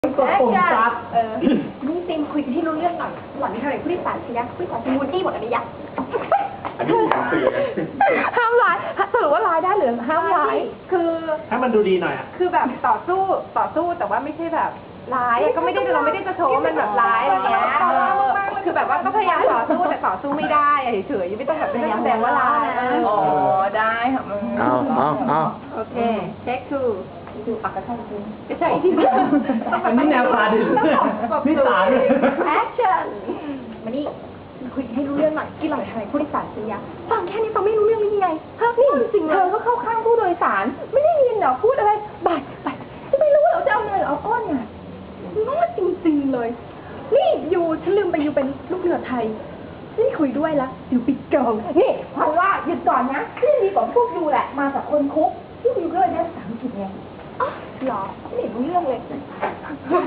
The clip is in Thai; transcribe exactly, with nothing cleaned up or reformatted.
กดปุ่มซับเออนี่ติมคุยกันที่รู้เรื่องหน่อยหล่อนนี่เท่าไหร่ผู้โดยสารสิยะผู้โดยสารเป็นวูดดี้หมดอันนี้ยะอันนี้ผมเปลี่ยนห้ามร้ายสรุปว่าร้ายได้หรือห้ามร้ายคือให้มันดูดีหน่อยอ่ะคือแบบต่อสู้ต่อสู้แต่ว่าไม่ใช่แบบร้ายก็ไม่ได้เราไม่ได้จะโชว์ว่ามันแบบร้ายอะไรเงี้ยคือแบบว่าก็พยายามต่อสู้แต่ต่อสู้ไม่ได้เฉยๆไม่ต้องแบบไม่ต้องแสดงว่าร้ายอ๋อได้ค่ะเอาเอาเอาโอเคเช็คทูดูปากกระชับจริงไม่ใช่ที่อันนี้แนวพาดิพี่สารแอคชั่นมานี่คุยให้รู้เรื่องหน่อยที่หล่อนทำไมผู้โดยสารสิยะฟังแค่นี้ฟังไม่รู้เรื่องหรือยังไงฮะนี่จริงเธอก็เข้าข้างผู้โดยสารไม่ได้ยินเหรอพูดอะไรบ่ายบ่ายจะไม่รู้เหรอจะเอาเงินหรือเอาก้อนเนี่ยน้อยจริงๆเลยนี่อยู่ฉันลืมไปอยู่เป็นลูกเรือไทยนี่คุยด้วยละอยู่ปิดเกิลนี่เพราะว่าหยุดก่อนนะที่ดีกว่าพวกยูแหละมาจากคนคุกที่ยูก็เลยได้ภาษาอังกฤษไงอ๋อหรอไม่รู้เรื่องเลย